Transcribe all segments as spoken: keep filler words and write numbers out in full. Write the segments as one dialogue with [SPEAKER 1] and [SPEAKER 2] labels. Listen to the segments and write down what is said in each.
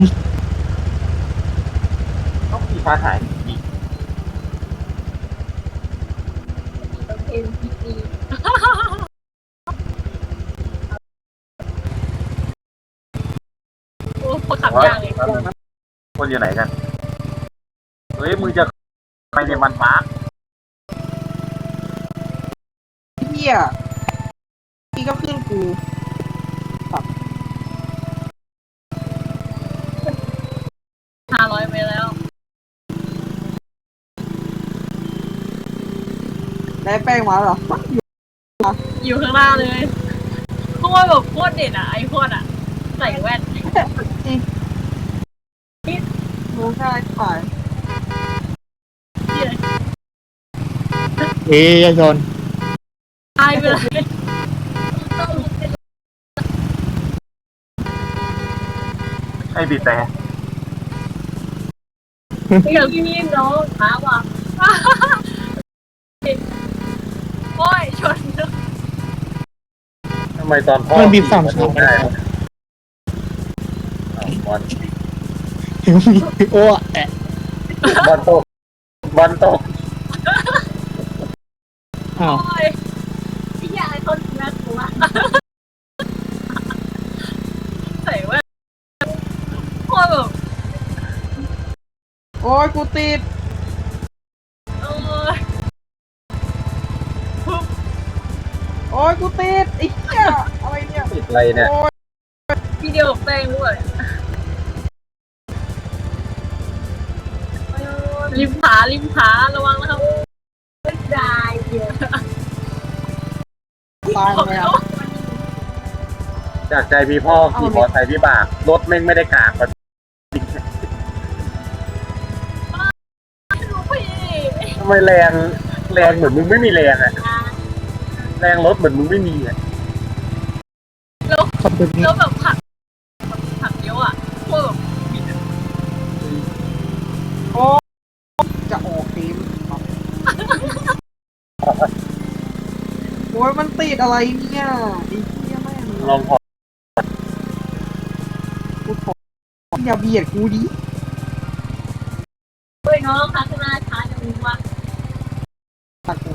[SPEAKER 1] ต้องขี่ฟ้าหายดี
[SPEAKER 2] เอ็นพีซีโอ้คนขับยากเลย
[SPEAKER 1] คนอยู่ไหนกันเฮ้ยมึงจะไปในวันมาร์ค
[SPEAKER 3] เฮียนี่ก็ขึ้นกู
[SPEAKER 2] ห้าร้อยไปแล้ว
[SPEAKER 3] ได้แป้งมาเหรอ
[SPEAKER 2] อยู่ข้างหน้าเลยเพราะว่าแบบโคตรเด่นอะไอโคตรอะใส่แว่น
[SPEAKER 3] จริงรู้ง่ายขาย
[SPEAKER 4] เอ้ยชน
[SPEAKER 2] ตายไปเลย
[SPEAKER 1] ไอ้บีบแต่
[SPEAKER 2] เดี๋ยวพี่น้องหาว่ะโอ้ยชน
[SPEAKER 1] ทำไมตอนพ่อ
[SPEAKER 4] มันบีบสามชั้น
[SPEAKER 1] ได้บอล
[SPEAKER 4] โอ้แอะ
[SPEAKER 1] บอลตกบอลตก
[SPEAKER 4] อ้าว
[SPEAKER 2] โอ้ยพี่ยาไอคนน่ากลัวใส่แว่นโคตรแบบ
[SPEAKER 3] โอ้ยกูติด
[SPEAKER 2] โอ้ย
[SPEAKER 3] โอ้ยกูติดไอ้เหี้ยอะไรเนี่ย
[SPEAKER 1] ติดอะไรเนี่ย
[SPEAKER 3] โอ้ย
[SPEAKER 2] พี่เดียวกับแป้งด้วยริมผาริมผาระวังนะครับไม่ได้เดี๋ยว
[SPEAKER 3] ตายไปแล้ว
[SPEAKER 1] จากใจพี่พ่อขี่มอเตอร์ไซค์พี่บากรถแม่งไม่ได้กากแบบ
[SPEAKER 2] ไม่รู้พี่
[SPEAKER 1] ทำไมแรงแรงเหมือนมึงไม่มีแรงอะแรงรถเหมือนมึงไม่มีอะ
[SPEAKER 4] ขอบคุณ
[SPEAKER 2] แล้วแบบผักผักเยอะอ่ะพวกแบบบิดอะ
[SPEAKER 3] โอ้จะออกทีมโอ้ยมันติดอะไรเนี่ยไอ้เหี้ยแม่ง
[SPEAKER 1] ลองพอ
[SPEAKER 3] กูขออย่าเบียดกูดิ
[SPEAKER 2] เฮ้ยน้องค่ะข้างหน้าช้าจะมีว่า
[SPEAKER 3] ตัดกู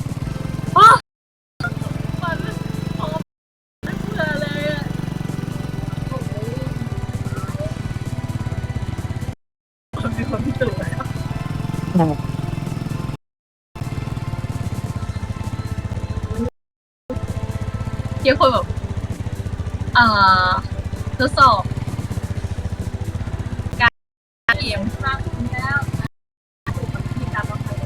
[SPEAKER 2] มันพอไม่เบื่อเลยอ่ะโอ้โหมีคนพิสูจน์แล้ว
[SPEAKER 4] อ้าว
[SPEAKER 2] เกี่ยวคนแบบอ่าทดสอบการเกมมากขึ้นแล้วมีการบังคับ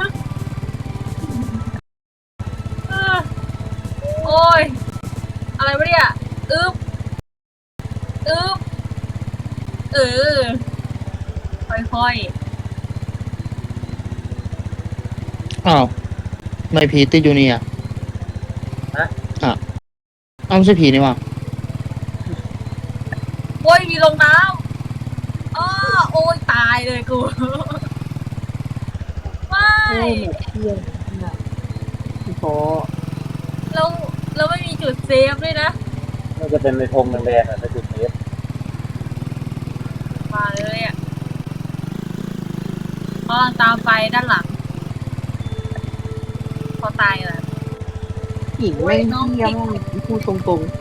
[SPEAKER 2] เออโอ้ยอะไรวะเนี่ยอึ๊บอึ๊บเออค่อย
[SPEAKER 4] อ้าวไม่ผีติดอยู่นี่อ่ะ
[SPEAKER 1] ฮะ
[SPEAKER 4] อ่ะอ้าวไม่ใช่ผีนี่หว่า
[SPEAKER 2] ๆโอ้ยมีลงน้ำอ้อโอ้ยตายเลยกูไม่
[SPEAKER 3] โอ้ยหมดเที่ยงเนี่ยกูขอ
[SPEAKER 2] แล้วแล้วไม่มีจุดเซฟด้วยนะ
[SPEAKER 1] น่าจะเป็นในธงแดงๆอะในจุดเซฟ
[SPEAKER 2] มาเลยอ่ะพอตามไปด้านหลัง พอตายแล้ว
[SPEAKER 3] หินแม่งเหี้ยมากพูดตรงๆ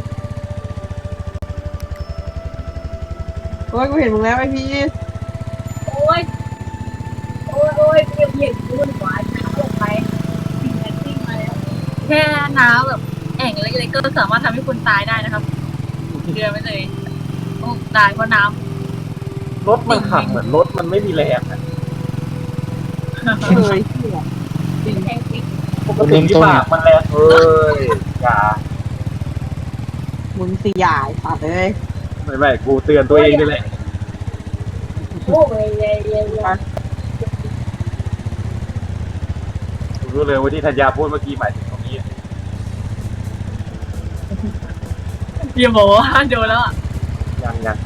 [SPEAKER 3] โอ้ยกูเห็นมึงแล้วไอพี่
[SPEAKER 2] โอ้ยโอ้ยโอ้ยเบียดเบียดรุ่นหวานน้ำลงไปสิ่งแอนติ้งมาแล้วแค่น้ำแบบแอ่งเล็กๆก็สามารถทำให้คนตายได้นะครับเดือนไปเลยโอ้ตายเพราะน้ำ
[SPEAKER 1] รถมันขับเหมือนรถมันไม่มีแรงอะ
[SPEAKER 3] เคยเหี้ย
[SPEAKER 2] จริงแห่งจริง
[SPEAKER 1] ปกติพี่บากมันแรงเอ้ยอย่า
[SPEAKER 3] มึงสิยายสัตว์เลย
[SPEAKER 1] ไม่ไม่กูเตือนตัวเองนี่แหละ
[SPEAKER 2] โอ้ยเย่เย่เย่
[SPEAKER 1] กูรู้เลยว่าที่ธัญญาพูดเมื่อกี้หมายถึงตรงนี้
[SPEAKER 2] อย่าบอกว่าโดนแล้วอ่ะ
[SPEAKER 1] ยังยัง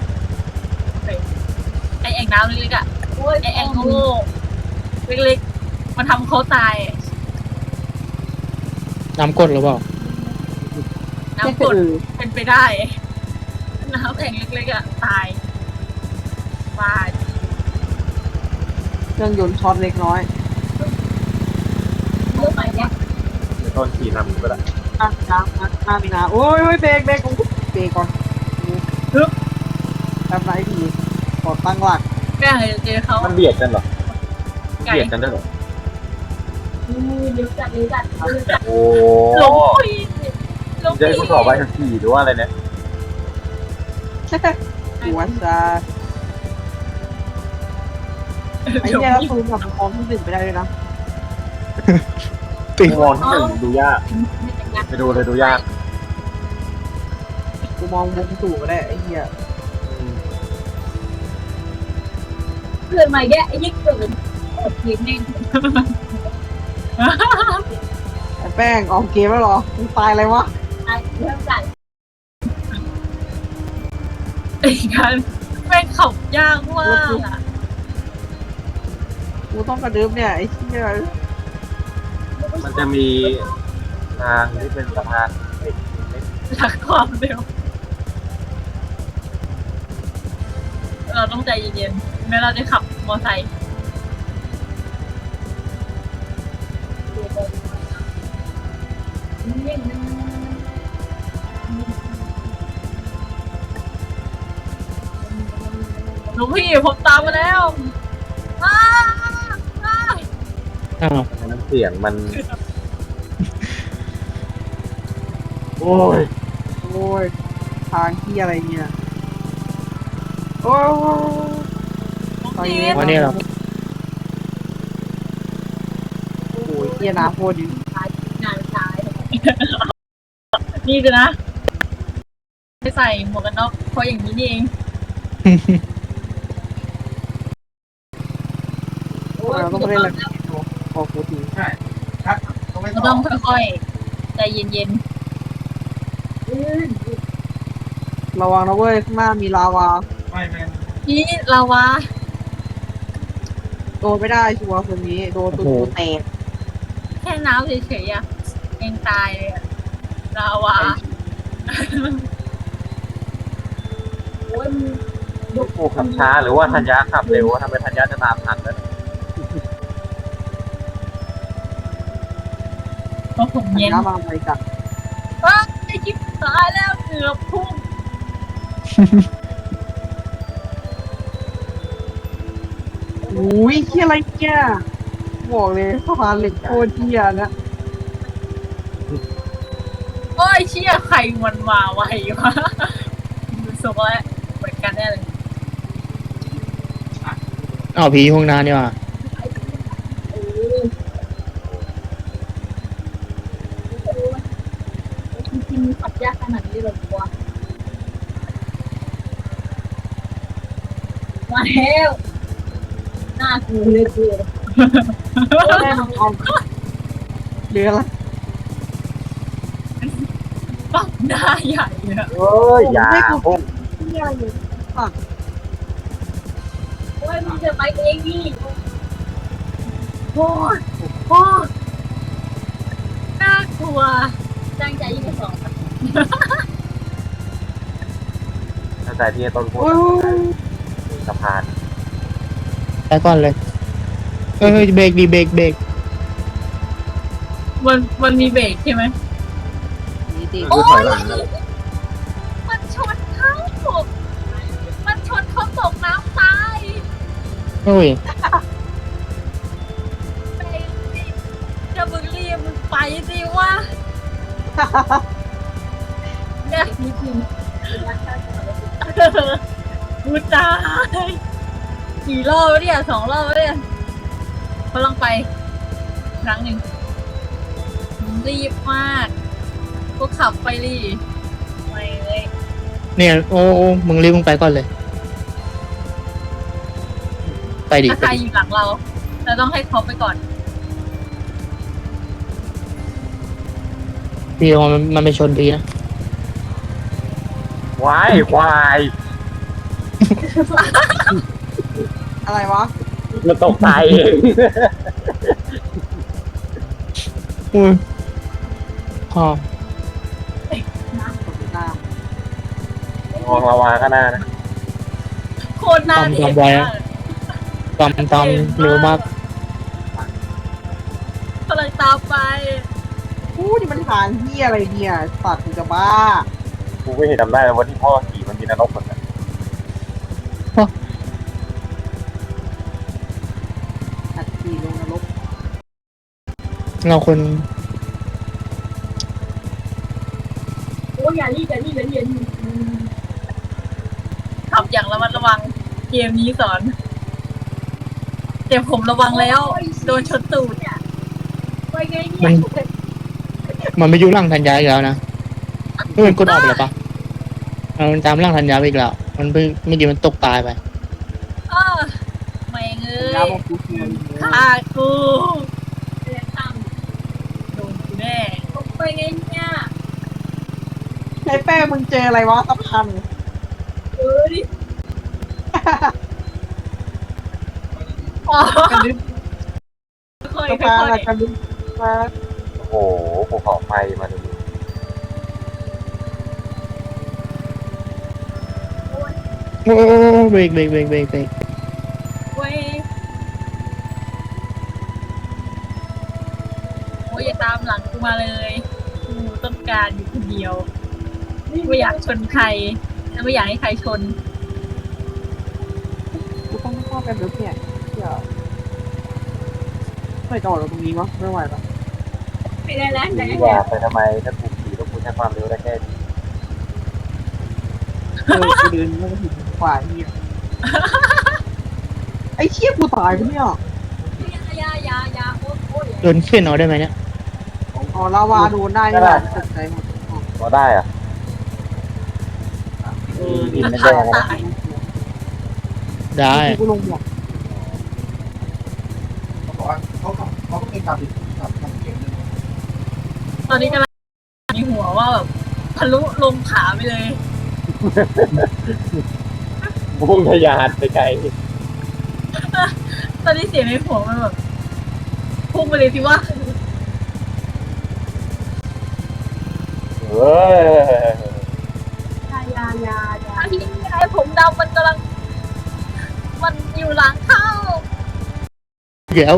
[SPEAKER 2] ไอแอ่งน้ำเล็กๆอ่ะไอแอ่งโง่เล็กๆมันทำเขาตาย
[SPEAKER 4] น้ำกดหรือเปล่า
[SPEAKER 2] น้ำกรดเป็นไปได้ น้ำแอ่งเล็กๆอ่ะตาย
[SPEAKER 3] รื่องยนต์ช็อตเล็กน้อย
[SPEAKER 2] เรื่องใหม่เนี่ย
[SPEAKER 1] เดี๋ยวต้นขี่นำก็ได้
[SPEAKER 3] อ่ะน้ำน้ำน้ำมีน้ำโอ้ยโอ้ยเบรกเบรกโอ้โหเบรกก่อนปึ๊บทำไรดีกดตั้งหลัก
[SPEAKER 2] แม่เคยเจอเขา
[SPEAKER 1] มันเบียดกันเหรอ
[SPEAKER 2] ไก่
[SPEAKER 1] เบียดกันด้วยเหรอ
[SPEAKER 2] เลี้ยวจัดเลี้ยวจัดเลี้ยวจัด
[SPEAKER 1] โอ้
[SPEAKER 2] หลงปีหลง
[SPEAKER 1] จะ
[SPEAKER 2] ปี
[SPEAKER 1] ให้กูสอบใบขับขี่หรือว่าอะไรเนี่ย
[SPEAKER 3] หัวซาไอ้เนี่ยเราซูมกับมองที่หนึ่งไปได้เลยนะ
[SPEAKER 4] ติด
[SPEAKER 1] มองที่หนึ่งดูยากไปดูเลยดูยาก
[SPEAKER 3] กูมองมุมสูงก็ได้ไอ้เหี้ย
[SPEAKER 2] เพื่อนใหม่แกไอ้ยิ่งเกินโอ้ทีมแน่ง
[SPEAKER 3] ไอ้แป้งออกเกมแล้วเหรอมึงตายอะไรวะ
[SPEAKER 2] ไอ้เรื่องจัดไอ้กันแม่งขับยากมากอ่ะ
[SPEAKER 3] กูต้องกระดึ๊บเนี่ยไอ้เหี้ย
[SPEAKER 1] มันจะมีทางที่เป็นสะพานเหล็ก
[SPEAKER 2] รักความเร็วเราต้องใจเย็นๆแม้เราจะขับมอไซค์หลวงพี่ผมตามมาแล้วอ้าอ้า
[SPEAKER 4] อ้าว
[SPEAKER 1] มันเสียงมัน โอ้ย
[SPEAKER 3] โอ้ยทางที่อะไรเนี่ยโอ้ย
[SPEAKER 2] หลวง
[SPEAKER 3] ตอน
[SPEAKER 2] พี่
[SPEAKER 3] นี้
[SPEAKER 4] วันนี้เหรอ
[SPEAKER 3] โอ้ยเหี้ยน้ำโคตรดี
[SPEAKER 2] งานซ้ายนี่ดูนะไม่ใส่หมวกกันน็อกเพราะอย่างนี้นี่เอง
[SPEAKER 3] เราต้องไปเล่นอะไรโอ้โหที
[SPEAKER 2] เราต้องค่อยๆใจเย็น
[SPEAKER 3] ระวังนะเว้ยข้างหน้ามีลาวา
[SPEAKER 2] ๆนี่ลาวา
[SPEAKER 3] โดนไม่ได้ชัวร์คนนี้โดนตัวแตก
[SPEAKER 2] แค่น้ำเฉยๆอะเองตายเลยอะลาวาโอ้ยมัน
[SPEAKER 1] ลูกปูขับช้าหรือว่าธัญญาขับเร็วทำไมธัญญาจะตามทันนะ
[SPEAKER 2] เพราะผมเย็น
[SPEAKER 3] น้ำมาไปจัด
[SPEAKER 2] ว้าไอ้จิ๊บตายแล้วเกือบพุ่ง
[SPEAKER 3] อุ้ยเหี้ยอะไรเนี่ยบอกเลยสะพานเหล็กโคตรเหี้ยนะ
[SPEAKER 2] โอ้ยเชี่ยใครมันมาไววะดูทรงแล้วเหมือนกันแน่เลย
[SPEAKER 4] อ้าวผีห้องน้ำนี่ว่ะ
[SPEAKER 2] เออจริงๆขับยากขนาดนี้เลยกว่ามาแล้วหน้ากูเลยกู
[SPEAKER 3] แม่มังกรเรืออะไร
[SPEAKER 2] ปักหน้าใหญ่เลยอะ
[SPEAKER 1] เอ้ยอย่าพุ่ง
[SPEAKER 3] เหี้ยอะไรเนี่ยฝั่ง
[SPEAKER 2] โอ้ยมึงจะไปเองดิโอ้ยโอ้ยน่ากลัวตั้งใจยิงกระสอบ
[SPEAKER 1] ตั้งแต่ที่ต้นพูด
[SPEAKER 3] โอ้ย
[SPEAKER 1] สะพาน
[SPEAKER 4] ไปก่อนเลยเฮ้ยเฮ้ยเบรกดีเบรกเบรก
[SPEAKER 2] มันมันมีเบรกใช่ไหม
[SPEAKER 3] นี่ติ
[SPEAKER 1] คือถอยหลังนะ
[SPEAKER 2] มันชนเขามันชนเขาตกน้ำตาย
[SPEAKER 4] เฮ้ย
[SPEAKER 2] ไปสิจะมึงรีบมึงไปสิวะเนี่ยกูตายกี่รอบแล้วเนี่ยสองรอบแล้วเนี่ยเขาลองไป ครั้งหนึ่งรีบมากก็ขับไปดิไม่เลย
[SPEAKER 4] เนี่ยโอ้โอ้มึงรีบมึงไปก่อนเลย ไปดิ
[SPEAKER 2] ถ้า
[SPEAKER 4] ไป
[SPEAKER 2] ใคร
[SPEAKER 4] ดิ
[SPEAKER 2] อยู่หลังเราเราต้องให้เขาไปก่อน
[SPEAKER 4] พี่ระวังมันมันไปชนพี่นะ
[SPEAKER 1] ควายควาย
[SPEAKER 3] อะไรวะ
[SPEAKER 1] มันตกใจเอง
[SPEAKER 4] อุ้ยพอ
[SPEAKER 3] น้
[SPEAKER 1] มองระวาก็น่านะ
[SPEAKER 2] โคตรน่าเด็ก
[SPEAKER 4] ตตอมตอมเร็วมาก
[SPEAKER 2] กำลังตามไป
[SPEAKER 3] อู้นี่มันทางเฮียอะไรเนี่ยสัตว์กูจะบ้า
[SPEAKER 1] กูไม่เห็นจำได้แล้ววันที่พ่อขี่มันมีนรกเหมือนกัน
[SPEAKER 3] อัดขี่ลงนรก
[SPEAKER 4] เราคน
[SPEAKER 2] โอ้ยอย่ารีบอย่ารีบอย่ารีบอย่ารีบขับอย่างระมัดระวังเกมนี้สอนเดี๋ยวผมระวังแล้ว โดนชนตูดไปไงเนี่
[SPEAKER 4] มั
[SPEAKER 2] ย
[SPEAKER 4] นมันไม่ยุ่งร่างทันยาอีกแล้วนะเฮ้ยมันกดออกไปแล้วปะเอามันตามร่างทันยาไปอีกแล้วมันไม่ไม่ดีมันตกตายไป
[SPEAKER 2] เออไม่เง
[SPEAKER 3] ยาย บอกกูเฮีย
[SPEAKER 2] ฆ่ากูเรียนทำโดนกูแน่ไปไงเนี่ย
[SPEAKER 3] ไอ้แป้งมึงเจออะไรวะสะพาน
[SPEAKER 2] เออดิอ๋อก
[SPEAKER 3] ระดึ๊บ
[SPEAKER 2] ค่อย
[SPEAKER 3] สะ
[SPEAKER 2] ค่
[SPEAKER 3] พาน
[SPEAKER 2] อย
[SPEAKER 3] อะกระดึ๊บมา
[SPEAKER 1] โอ้โหภูเขาไฟมาดู
[SPEAKER 4] โอ้เบรกเบรกเบรกเบรกเบรก
[SPEAKER 2] เว้ยโอ้ยอย่าตามหลังกูมาเลยกูต้องการอยู่คนเดียวไม่อยากชนใครและไม่อยากให้ใครชน
[SPEAKER 3] กูต้องเข้ากันดึ๊บเนี่ยเดี๋ยวไม่จอดเราตรงนี้วะไม่ไหวละ
[SPEAKER 2] ไม่ได้แล้วแต่
[SPEAKER 1] ขี่ว่าไปทำไมถ้ากูขี่แล้วกูใช้ความเร็วได้แค่นี้
[SPEAKER 3] เออกูเดินไม่ถึงขวาเฮียไอ้เชี่ยกูตายปะเนี่ย
[SPEAKER 2] ยายายายาโอ้โอ้ย
[SPEAKER 4] โดนเข็นเอาได้ไหมเนี่ย
[SPEAKER 3] อ๋อลาวาโดนได้นี่หว่าตกใจหมดอ๋อ
[SPEAKER 1] พอได้อะ
[SPEAKER 3] เออ
[SPEAKER 1] ดิ
[SPEAKER 3] นี่
[SPEAKER 1] นไม่
[SPEAKER 2] ฆ่า
[SPEAKER 1] แดงนะ
[SPEAKER 2] ตาย
[SPEAKER 4] ได้
[SPEAKER 3] กูลงหมวก
[SPEAKER 5] เขาบอกว่าเขาก็เขาก็มีการติดกับทางเกมเลย
[SPEAKER 2] ตอนนี้กำลังมีหัวว่าแบบทะลุลงขาไปเลย
[SPEAKER 1] พุ่งทะยานไปไกล
[SPEAKER 2] ตอนนี้เสียงในหัวมันแบบพุ่งไปเลยสิว่า
[SPEAKER 1] เฮ้ย
[SPEAKER 2] ยายายายาที่ไอ้ผมดำมันกำลัง มันอยู่หลังเข้า
[SPEAKER 4] เดี๋ยว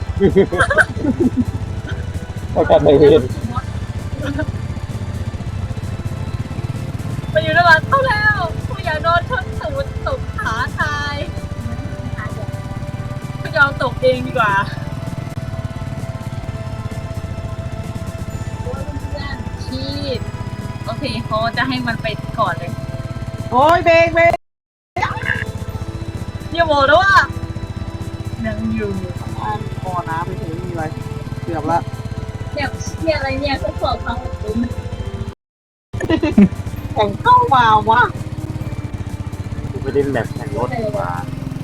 [SPEAKER 1] เท่ากันในเวร
[SPEAKER 2] มันอยู่ด้านหลังเข้าแล้วกูอยากโดนชนตูดตกขาตายกูยอมตกเองดีกว่าชีดโอเคเขาจะให้มันไปก่อนเลย
[SPEAKER 3] โอ้ยเบรกเบรก
[SPEAKER 2] อย่าบอกนะว่ายังอยู่
[SPEAKER 3] อ่านคอน้ำไปถึงมีอะไรเกือบละ
[SPEAKER 2] เนี่ยเนี่ยอะไรเนี่ยทดสอบความอดทน
[SPEAKER 3] แข่งเข้ามาวะ
[SPEAKER 1] กูไปเล่นแมปแข่งรถดีกว่า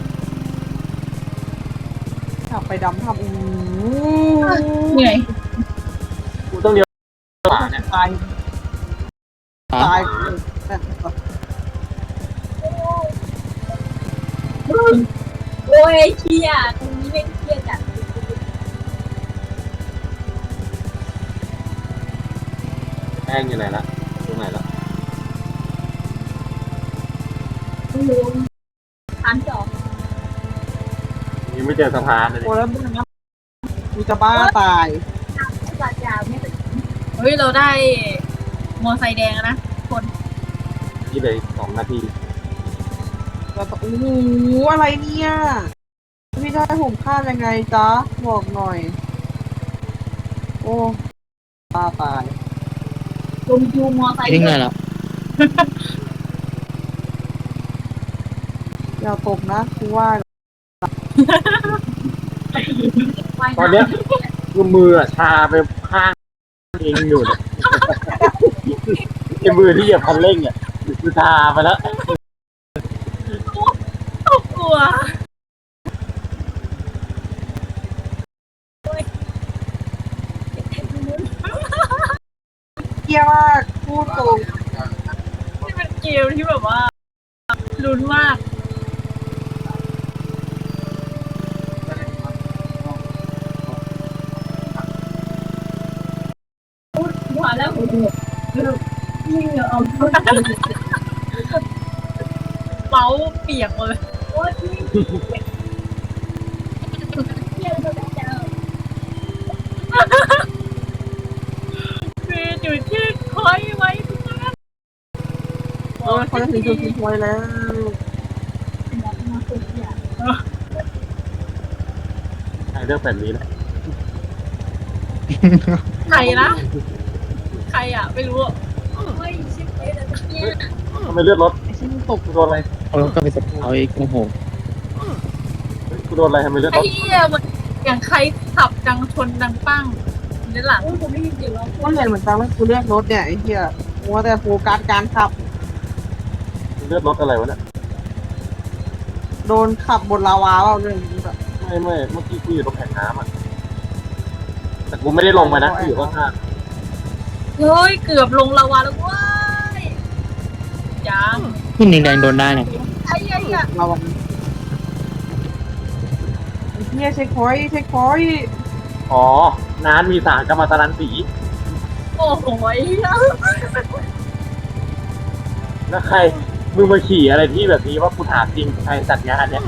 [SPEAKER 3] ขับไปดำทำอู้
[SPEAKER 2] เหนื่อย
[SPEAKER 1] กูต้องเลี้ยวขวาเนี่ย
[SPEAKER 3] ตาย
[SPEAKER 4] อ่ะ
[SPEAKER 3] ตาย
[SPEAKER 2] โอ้ยเครียดตรงนี้ไม่เครียดจัด
[SPEAKER 1] แป้งอยู่ไหนละตรงไหนละ
[SPEAKER 2] ลืมอันสอง
[SPEAKER 1] ยังไม่เจอสะพานเลย
[SPEAKER 3] โอ้แล้วมึงนะกูจะบ้าตาย
[SPEAKER 2] จัดยาวไม่เป็นเฮ้ยเราได้มอไซค์แดงนะคน
[SPEAKER 1] นี่เลยสองนาที
[SPEAKER 3] แล้วโอ้โหอะไรเนี่ยพี่ได้ผมข้ามยังไงจ๊ะบอกหน่อย โอ้บ้าตาย
[SPEAKER 2] ลงยูมอไซค์
[SPEAKER 4] ทิ้งไงล่ะ
[SPEAKER 3] อย่าตกนะกูว่า
[SPEAKER 1] ตอนเนี้ยคือมืออะชาไปข้างเองอยู่เนี่ยไอ้มือที่เหยียบคันเร่งอ่ะคือชาไปแล้ว
[SPEAKER 2] กลัว
[SPEAKER 3] เกียร์มากพูดตรง
[SPEAKER 2] นี่เป็นเกมที่แบบว่าลุ้นมากหัวแล้วหัวนี่เหรอเอาเมาส์เปียกหมดเลยโอ้ยคืออยู่ที่คอยไว้ทุกท่าน
[SPEAKER 3] โอ้ยเขาจะถึงจุดทิ้งไว้แล้ว
[SPEAKER 1] ใครเลือกแบบนี้นะ
[SPEAKER 2] ใครนะใครอ่ะไม่รู้ไม่ชิบเลยนะเนี่ย
[SPEAKER 1] ทำไมเลือดรถ
[SPEAKER 3] ไอ้ชิ้นตก
[SPEAKER 1] กูโดนอะไร
[SPEAKER 4] เอาแล้วก็ไปสปเอาอีกโอ้โห
[SPEAKER 1] เฮ้ยกูโดนอะไรทำไมเลือดร
[SPEAKER 2] ไอ้
[SPEAKER 1] ถ
[SPEAKER 2] เหี้ยมันอย่างใครขับดังชนดังปั้งนี่หลัง
[SPEAKER 3] ก็เห็นเหมือนกันว่ากูเลือกรถเนี่ยไอ้เหี้ยมัวแต่โฟกัสการขับ
[SPEAKER 1] เลือดรถอะไรวะเนี่ย
[SPEAKER 3] โดนขับบนลาวาเปล่าเรื่องนี้แบบ
[SPEAKER 1] ไม่ไม่เมื่อกี้กูอยู่ตรงแผ่นน้ำอ่ะแต่กูไม่ได้ลงไปนะกูอยู่ข้าง
[SPEAKER 2] เฮ้ยเกือบลงลาวาแล้วเว้ยยัง
[SPEAKER 4] ขึ้นแดงๆโดนได้เนี่ย
[SPEAKER 2] ไอ้เหี้ย
[SPEAKER 3] ลาวาไอ้เหี้ยเช็คพอยต์เช็คพอยต์
[SPEAKER 1] ๆอ๋อน้านมีสารกัมมันตรังสี
[SPEAKER 2] โอ้โหไอ้เหี้ย
[SPEAKER 1] แล้วใครมึงมาขี่อะไรที่แบบนี้ว่ากูถามจริงใครจัดงานเนี่ย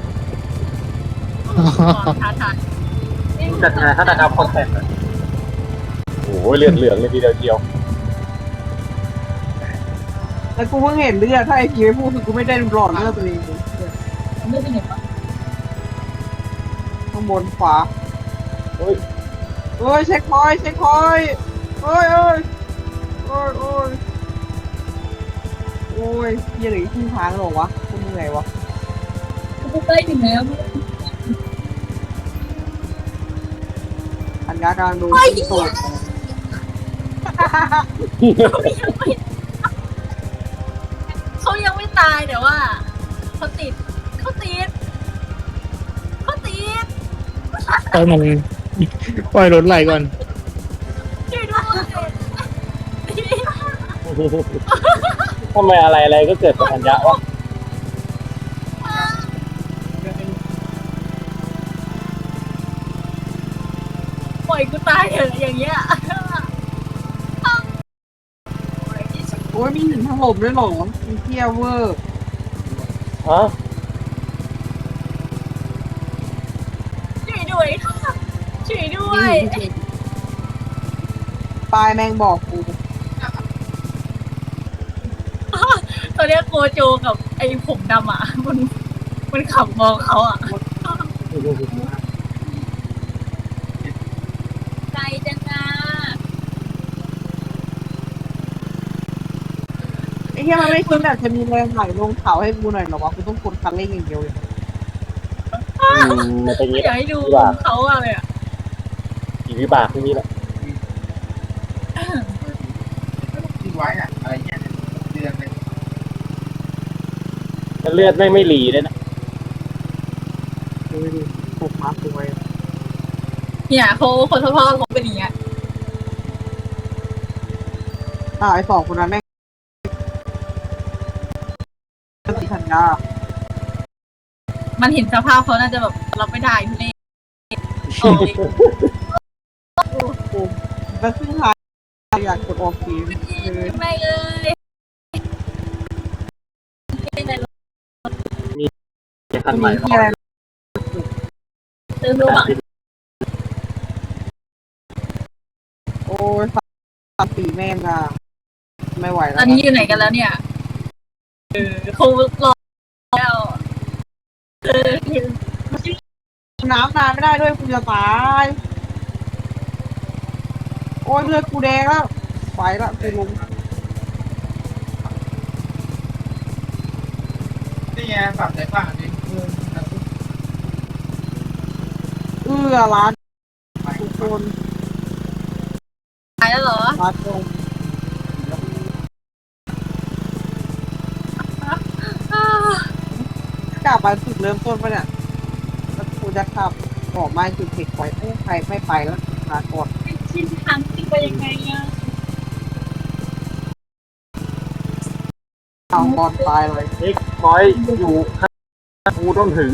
[SPEAKER 2] ท้าทาย
[SPEAKER 1] จัดงานฆาตกรรมคอนเทนต์อะโอ้โหเลือดเหลืองเลยทีเดียวเดียว
[SPEAKER 3] แล้วกูเพิ่งเห็นเลือดถ้าไอ้พีไม่พูดคือกูไม่ได้หลอดเลือดตัวเองเลย
[SPEAKER 2] ไม่เป็นไงวะ
[SPEAKER 3] ข้างบนขวา
[SPEAKER 1] เฮ้ย
[SPEAKER 3] เอ้ยเช็คพอยต์เช็คพอยต์เอ้ยเอ้ยโอ้ยโอ้ยโอ้ยเหี้ยเหลืออีกครึ่งทางแล้วเหรอวะกูเหนื่อยวะ
[SPEAKER 2] กูใกล้ถึงแล้ว
[SPEAKER 3] อันยากำลังดูที่โตด
[SPEAKER 2] เขายังไม่ตายแต่ว่าเขาติดเขาติดเขาติด
[SPEAKER 4] ปล่อยมันปล่อยรถไหลก่อน
[SPEAKER 2] ช่วยด้วย
[SPEAKER 1] ทำไมอะไรอะไรก็เกิดกับธัญญะวะ
[SPEAKER 2] ปล่อยกูตายเถอะอย่างเงี้ย
[SPEAKER 3] โอ้ยมีหินถล่มด้วยเหรอมีเที่ยวเวอร์
[SPEAKER 1] ฮะ
[SPEAKER 2] ช่วยด้วยค่ะช่วยด้ว
[SPEAKER 3] มี
[SPEAKER 2] ย
[SPEAKER 3] หินปลายแมงบอกกู
[SPEAKER 2] ตอนเนี้ยโกโจกับไอ้ผมดำอ่ะมันมันขับมองเขาอ่ะใจจังนะ
[SPEAKER 3] ไอ้เหี้ยมันไม่คิดแบบจะมีแรงไหลลงเขาให้กูหน่อยเหรอวะกูต้องกดคันเร่งอย่างเดียวเลย
[SPEAKER 1] อืมมันเป็นอย่างนี้
[SPEAKER 2] อยากให้ดูเขาอะเลยอ่ะ
[SPEAKER 1] กี่วิบากที่นี่แหละ
[SPEAKER 5] ที่ไว้อะอะไรเงี้ยเดือนเลย
[SPEAKER 1] แล้วเลือดไม่งไม่หลีเลยนะ
[SPEAKER 3] ดูดิตกมาสวย
[SPEAKER 2] เนี่ยเขาคนพ่อเขาเป็นอย่างเงี้ย
[SPEAKER 3] อ่าไอ้สองคนนั้นแม่งติดธัญญา
[SPEAKER 2] มันเห็นสภาพเขาน่าจะแบบรับไม่ได้ทุเรศโอ้ย
[SPEAKER 3] กูแล้วซึ่งทางอยากกดออกเกมเลย
[SPEAKER 2] แม่เอ้ย
[SPEAKER 1] คันใหม่
[SPEAKER 3] มีที่อะไร
[SPEAKER 2] เติมดูอ่ะ
[SPEAKER 3] โอ้ยสามสี่แม่งอ่ะไม่ไหว
[SPEAKER 2] ต
[SPEAKER 3] แล้
[SPEAKER 2] อ
[SPEAKER 3] วน
[SPEAKER 2] นี้อยู่ไหนกันแล้วเนี่ยเออเขารอแล้วเออ
[SPEAKER 3] น้ำนานไม่ได้ด้วยกูจะตายโอ้ยเลือดกูแดงแล้วไปละกูลง
[SPEAKER 5] นี่ไงปรับใจกว้างอันนี้เออ
[SPEAKER 3] เอื้อร้านทุกคน
[SPEAKER 2] ตายแล้วเหรอ
[SPEAKER 3] ร้านตรงกลับมาจุดเริ่มต้นปะเนี่ยแล้วกูจะขับออกมาจุดเทคไว้ไม่ใครไม่ไปแล้วลาก่อน
[SPEAKER 2] ชินทางติไปยังไงอ่ะ
[SPEAKER 3] เอาบอลตายเลย
[SPEAKER 1] เอ็กคอยอยู่ข้างกูต้องถึง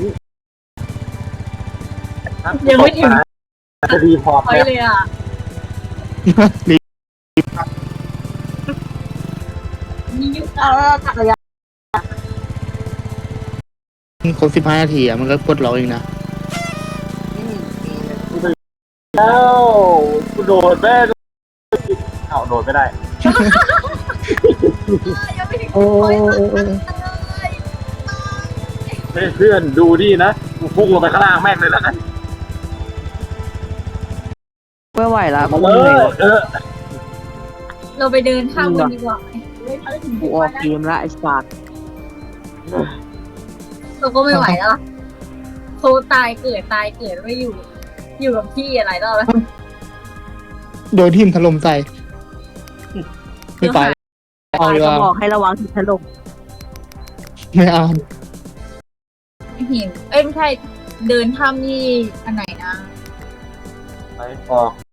[SPEAKER 2] ยังไม่ถึง
[SPEAKER 1] จะดีพอร์ต
[SPEAKER 2] ไป
[SPEAKER 1] เนี่ย
[SPEAKER 2] เลยอ่ะมียุค
[SPEAKER 3] เอาแล้วจักรยาน
[SPEAKER 4] ครบสิบห้านาทีอ่ะมันก็กดเราเองนะ
[SPEAKER 3] อืม
[SPEAKER 1] แล้วกูโดดแม่งเอาโดดไม่ได้
[SPEAKER 2] ยังไม่ถึง
[SPEAKER 4] โอ้
[SPEAKER 2] โอ้ย
[SPEAKER 4] โอ้โอ้
[SPEAKER 1] เฮ้ยเพื่อนดูดินะกูพุ่งลงไปข้างล่างแม่งเลยแล้วกัน
[SPEAKER 3] ไม่ไหวละ
[SPEAKER 1] มา
[SPEAKER 3] กู
[SPEAKER 1] เล
[SPEAKER 3] เหนื่อย
[SPEAKER 1] ยเออ
[SPEAKER 2] เราไปเดินท่ากันดีกว่าไหม
[SPEAKER 3] กูออกเกมละไอ้สัตว์
[SPEAKER 2] เราก็ไม่ไหวแล้วล่ะเขาตายเกิดตายเกิดไม่อยู่ อยู่กับที่อะไรรอบแล้ว
[SPEAKER 4] โดนทิ่มถล่มใส่ไม่ไปเอาดีก
[SPEAKER 3] จะ
[SPEAKER 4] ว่า
[SPEAKER 3] บอกให้ระวังถึงถล่ม
[SPEAKER 4] ไม่เอา
[SPEAKER 2] หินเอ้ยไม่ใช่เดินถ้ำนี่อันไหนนะ
[SPEAKER 1] ไปออก